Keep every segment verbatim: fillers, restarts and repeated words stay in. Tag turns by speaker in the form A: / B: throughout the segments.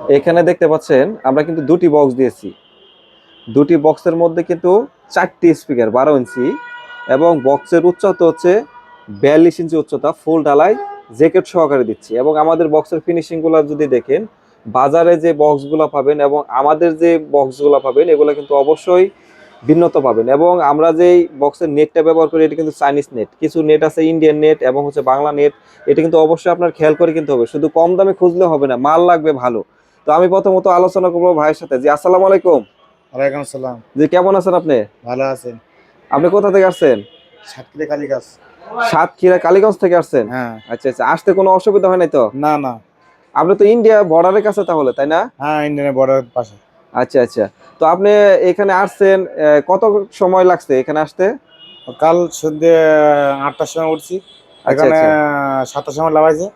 A: এখানে দেখতে পাচ্ছেন আমরা কিন্তু দুটি বক্স দিয়েছি। দুটি বক্সের মধ্যে কিন্তু চারটি স্পিকার বারো ইঞ্চি এবং বক্সের উচ্চতা হচ্ছে বিয়াল্লিশ ইঞ্চি উচ্চতা, ফুল ঢালাই জ্যাকেট সহকারে দিচ্ছি। এবং আমাদের বক্সের ফিনিশিংগুলো যদি দেখেন, বাজারে যে বক্সগুলো পাবেন এবং আমাদের যে বক্সগুলো পাবেন এগুলো কিন্তু অবশ্যই ভিন্নতা পাবেন। এবং আমরা যেই বক্সের নেটটা ব্যবহার করি এটা কিন্তু চাইনিজ নেট, কিছু নেট আছে ইন্ডিয়ান নেট এবং হচ্ছে বাংলা নেট। এটা কিন্তু অবশ্যই আপনার খেয়াল করে কিনতে হবে, শুধু কম দামে খুঁজলে হবে না, মাল লাগবে ভালো। তো আমি প্রথমত আলোচনা করবো ভাইয়ের সাথে। জি, আসসালামু আলাইকুম।
B: ওয়ালাইকুম আসসালাম।
A: জি, কেমন আছেন আপনি?
B: ভালো আছেন?
A: আপনি কোথা থেকে আসছেন?
B: সাতক্ষীরা কালীগাছ।
A: সাতক্ষীরা কালীগঞ্জ থেকে আসছেন?
B: হ্যাঁ।
A: আচ্ছা আচ্ছা, আসতে কোনো অসুবিধা হয় নাই তো?
B: না না।
A: আপনি তো ইন্ডিয়া বর্ডারের কাছে তাহলে, তাই না?
B: হ্যাঁ, ইন্ডিয়ানের বর্ডারের পাশে।
A: আচ্ছা আচ্ছা। তো আপনি এখানে আসছেন, আহ, কত সময় লাগছে এখানে আসতে?
B: কাল সন্ধ্যে আটটার সময় উঠছি,
A: আচ্ছা
B: এখানে
A: আচ্ছা
B: সাতটার সময় লাগাইছে।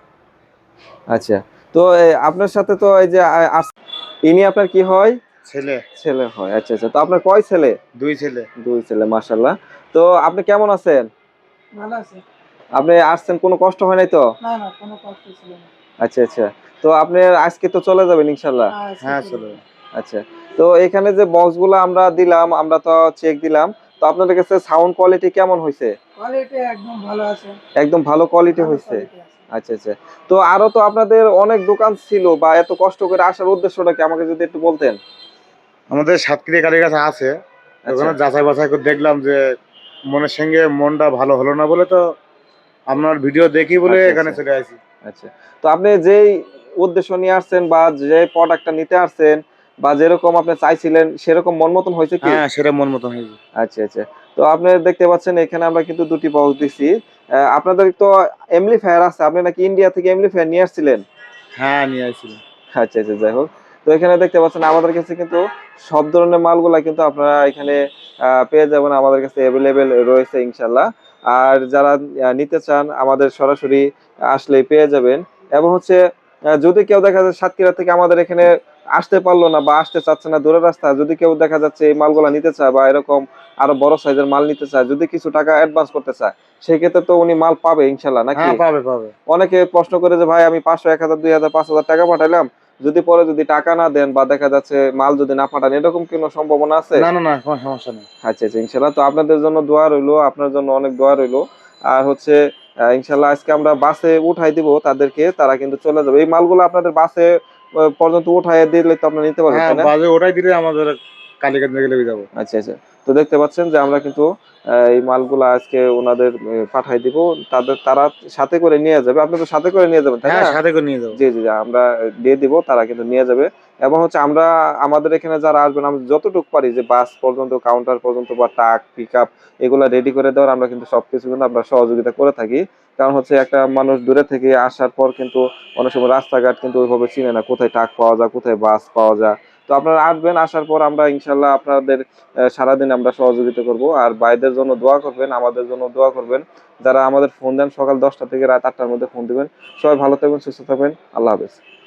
A: আচ্ছা। তো এ, আপনার সাথে তো এই যে আ- আস- ইনি আপনার কি হয়?
B: ছেলে।
A: ছেলে হয়। আচ্ছা আচ্ছা। তো আপনার কয় ছেলে?
B: দুই ছেলে।
A: দুই ছেলে, মাশাআল্লাহ। তো আপনি কেমন আছেন?
C: ভালো আছে।
A: আপনি আসছেন, কোনো কষ্ট হয় নাই তো?
C: না, না কোনো কষ্ট ছিল না।
A: আচ্ছা আচ্ছা। তো আপনি আজকে তো চলে যাবেন ইনশাল্লাহ?
C: হ্যাঁ, আজকে
B: হ্যাঁ,
C: চলে
B: চলে।
C: যাবো।
A: আচ্ছা। তো এখানে যে বক্সগুলো আমরা দিলাম, আমরা তো চেক দিলাম, তো আপনাদের কাছে সাউন্ড কোয়ালিটি কেমন হয়েছে?
C: কোয়ালিটি একদম ভালো আছে।
A: একদম ভালো কোয়ালিটি
C: ভালো
A: হয়েছে?
C: কোয়ালিটি আছে।
A: আচ্ছা আচ্ছা। তো আরো তো আপনাদের অনেক দোকান ছিল, বা এত কষ্ট করে আসার উদ্দেশ্যটা কি আমাকে যদি একটু বলতেন?
B: আমাদের সাতক্ষীরা কালীগাছ আছে,
A: আচ্ছা
B: ওখানে যাচাই বাছাই করে দেখলাম যে মনের সঙ্গে মনটা ভালো হলো না বলে তো আপনার ভিডিও দেখি বলে
A: আচ্ছা
B: এখানে
A: আচ্ছা
B: চলে আসি।
A: আচ্ছা। তো আপনি যেই উদ্দেশ্য নিয়ে আসছেন বা যে প্রোডাক্টটা নিতে আসছেন বা যেরকম আপনি চাইছিলেন সেরকম মন মতন হয়েছে কি?
B: হ্যাঁ, সেটা মন মতন হয়েছে।
A: আচ্ছা আচ্ছা। তো আপনি দেখতে পাচ্ছেন এখানে আমরা কিন্তু দুটি বক্স দিছি। আহ, আপনাদের তো এমপ্লিফায়ার আছে, আপনি নাকি ইন্ডিয়া থেকে এমপ্লিফায়ার নিয়ে আসছিলেন?
B: হ্যাঁ, নিয়ে আসছিলাম।
A: আচ্ছা আচ্ছা, যাই হোক। তো এখানে দেখতে পাচ্ছেন আমাদের কাছে কিন্তু সব ধরনের মালগুলা কিন্তু আপনারা এখানে আহ, পেয়ে যাবেন, আমাদের কাছে অ্যাভেলেবেল রয়েছে ইনশাল্লাহ। আর যারা আহ, নিতে চান আমাদের সরাসরি আসলেই পেয়ে যাবেন। এবং হচ্ছে আহ, যদি কেউ দেখা যায় সাতক্ষীরা থেকে আমাদের এখানে আসতে পারলো না বা আসতে চাচ্ছে না, দূরের রাস্তা, যদি কেউ দেখা যাচ্ছে এই মালগুলা নিতে চায় বা এরকম আরো বড় সাইজের মাল নিতে চায়, যদি কিছু টাকা অ্যাডভান্স করতে চায়, সেক্ষেত্রে তো উনি মাল পাবে ইনশাল্লাহ, নাকি?
B: হ্যাঁ, পাবে পাবে।
A: অনেকে প্রশ্ন করে যে ভাই আমি পাঁচশো, এক হাজার, দুই হাজার, পাঁচ হাজার টাকা পাঠাইলাম, যদি পরে যদি টাকা না দেন বা দেখা যাচ্ছে মাল যদি না পাঠান, এরকম কোনো সম্ভাবনা আছে?
B: না না না, কোনো সমস্যা নেই।
A: আচ্ছা আচ্ছা, ইনশাল্লাহ। তো আপনাদের জন্য দোয়া রইলো, আপনার জন্য অনেক দোয়া রইলো। আর হচ্ছে আহ, ইনশাল্লাহ আজকে আমরা বাসে উঠাই দিব তাদেরকে, তারা কিন্তু চলে যাবে। এই মালগুলো আপনাদের বাসে আহ, পর্যন্ত উঠাই দিলে তো আপনারা নিতে পারবেন,
B: হ্যাঁ,
A: তাই না?
B: বাজে ওটাই দিলে আমাদের কালীগঞ্জ থেকে লেগে যাবো।
A: আচ্ছা আচ্ছা। তো দেখতে পাচ্ছেন যে আমরা কিন্তু আহ, এই মালগুলো আজকে ওনাদের আহ, পাঠাই দিব, তাদের তারা সাথে করে নিয়ে যাবে। আপনি তো সাথে করে নিয়ে যাবেন, তাই
B: হ্যাঁ,
A: না?
B: সাথে করে নিয়ে যাবো।
A: জি জি জি, আমরা দিয়ে দিব, তারা কিন্তু নিয়ে যাবে। এবং হচ্ছে আমরা আমাদের এখানে যারা আসবেন, আমরা যতটুকু পারি যে বাস পর্যন্ত, কাউন্টার পর্যন্ত বা ট্রাক, পিক আপ, এগুলো রেডি করে দেওয়ার আমরা কিন্তু সবকিছু কিন্তু আমরা সহযোগিতা করে থাকি। কারণ হচ্ছে একটা মানুষ দূরে থেকে আসার পর কিন্তু অনেক সময় রাস্তাঘাট কিন্তু ওইভাবে চিনে না, কোথায় ট্রাক পাওয়া যায়, কোথায় বাস পাওয়া যায়। তো আপনারা আসবেন, আসার পর আমরা ইনশাল্লাহ আপনাদের আহ, সারাদিন আমরা সহযোগিতা করব। আর ভাইদের জন্য দোয়া করবেন, আমাদের জন্য দোয়া করবেন। যারা আমাদের ফোন দেন সকাল দশটা থেকে রাত আটটার মধ্যে ফোন দিবেন। সবাই ভালো থাকবেন, সুস্থ থাকবেন। আল্লাহ হাফেজ।